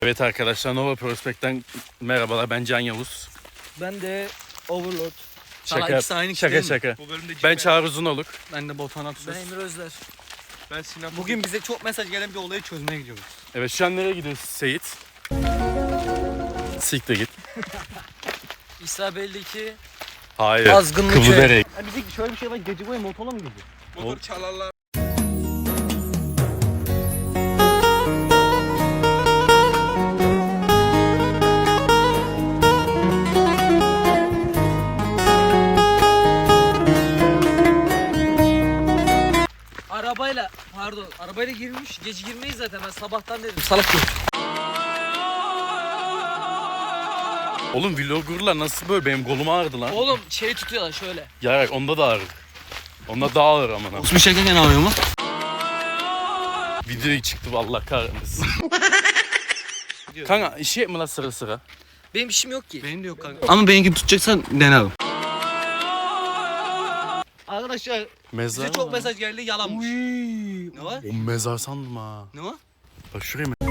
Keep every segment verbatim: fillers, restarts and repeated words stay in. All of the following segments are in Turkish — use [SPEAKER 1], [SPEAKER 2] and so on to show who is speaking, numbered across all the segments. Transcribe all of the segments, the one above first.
[SPEAKER 1] Evet arkadaşlar, Nova Prospect'ten merhabalar. Ben Can Yavuz.
[SPEAKER 2] Ben de Overlord.
[SPEAKER 1] Şaka,
[SPEAKER 3] ikisi aynı kişi
[SPEAKER 1] şaka
[SPEAKER 3] değil mi?
[SPEAKER 1] şaka.
[SPEAKER 3] Bu bölümde
[SPEAKER 1] Ben Çağrı Uzunoluk.
[SPEAKER 3] Ben de Botan Aksöz.
[SPEAKER 2] Ben Emir Özler.
[SPEAKER 3] Ben Sinan. Bugün bize çok mesaj gelen bir olayı çözmeye gidiyoruz.
[SPEAKER 1] Evet, şu an nereye gidiyoruz Seyit? Siktir git.
[SPEAKER 2] İsa belli ki
[SPEAKER 1] Hayır.
[SPEAKER 2] azgınlık şey.
[SPEAKER 1] Kıvıldereye.
[SPEAKER 3] Ya bize şöyle bir şey var, gece boyu motorla mı gidiyor?
[SPEAKER 1] Motor
[SPEAKER 3] çalarlar.
[SPEAKER 2] Arabayla pardon arabayla girmiş. Gece girmeyiz zaten, ben sabahtan dedim. Salak yok.
[SPEAKER 1] Oğlum vloggerlar nasıl böyle? Benim kolum ağrıdı lan.
[SPEAKER 2] Oğlum şey tutuyorlar şöyle.
[SPEAKER 1] Yarak onda da ağrır. Onda daha ağır amına.
[SPEAKER 3] Osman çekerken ağrıyor mu?
[SPEAKER 1] Video çıktı vallahi kahretmesin. Kanka işi mi lan sıra sıra?
[SPEAKER 2] Benim işim yok ki.
[SPEAKER 3] Benim de yok kanka. Ama benim gibi tutacaksan dene abi. Arkadaşlar
[SPEAKER 1] Mezar
[SPEAKER 3] bize çok
[SPEAKER 1] mı?
[SPEAKER 3] mesaj geldi, yalanmış. Ne var?
[SPEAKER 1] O mezar sandım ha.
[SPEAKER 3] Ne var?
[SPEAKER 1] Bak şuraya mı?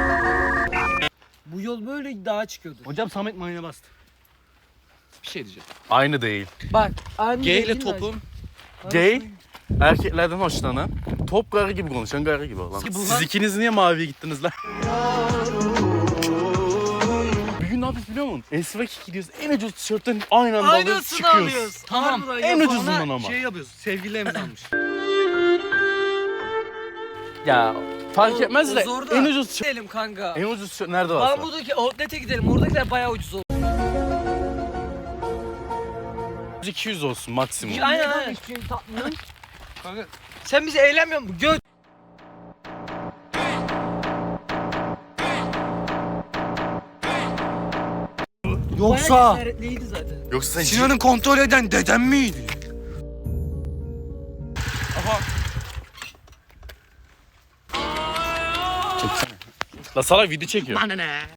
[SPEAKER 2] Bu yol böyle dağa çıkıyordu.
[SPEAKER 3] Hocam Samet mayına bastı. Bir şey diyeceğim.
[SPEAKER 1] Aynı değil.
[SPEAKER 2] Bak aynı
[SPEAKER 3] G ile
[SPEAKER 2] değil mi?
[SPEAKER 3] topun.
[SPEAKER 1] Gay erkeklerden hoşlanan, top karı gibi konuşan karı gibi olan.
[SPEAKER 3] Bu
[SPEAKER 1] Siz
[SPEAKER 3] lan-
[SPEAKER 1] ikiniz niye maviye gittiniz lan? Bir gün ne yapıyoruz biliyor musun? Esvek gidiyoruz. En ucuz tişörtten aynı anda alıyoruz,
[SPEAKER 2] Aynısını
[SPEAKER 1] çıkıyoruz.
[SPEAKER 2] alıyoruz.
[SPEAKER 3] Tamam,
[SPEAKER 2] Harbiden
[SPEAKER 1] en
[SPEAKER 2] yapalım.
[SPEAKER 1] ucuzundan ama.
[SPEAKER 3] Şey yapıyoruz. Sevgililerimiz almış.
[SPEAKER 1] Ya fark
[SPEAKER 2] O-
[SPEAKER 1] etmez
[SPEAKER 2] o
[SPEAKER 1] de
[SPEAKER 2] zor da.
[SPEAKER 1] en ucuz tişört.
[SPEAKER 2] Gidelim kanka.
[SPEAKER 1] En ucuz tişört nerede var?
[SPEAKER 2] Mahmut'daki outlet'e gidelim. Oradakiler bayağı ucuz oldu.
[SPEAKER 1] iki yüz olsun maksimum.
[SPEAKER 2] Aynen aynen. Hiçbir şey tatmıyor.
[SPEAKER 3] Kanka
[SPEAKER 2] Sen bizi eğlenmiyor musun? Göt.
[SPEAKER 3] yoksa
[SPEAKER 2] Bayağı cesaretliydi zaten.
[SPEAKER 1] Yoksa sen
[SPEAKER 3] Sinan'ı kontrol eden dedem miydi? Aha.
[SPEAKER 1] La salak video çekiyor.
[SPEAKER 2] Bana ne?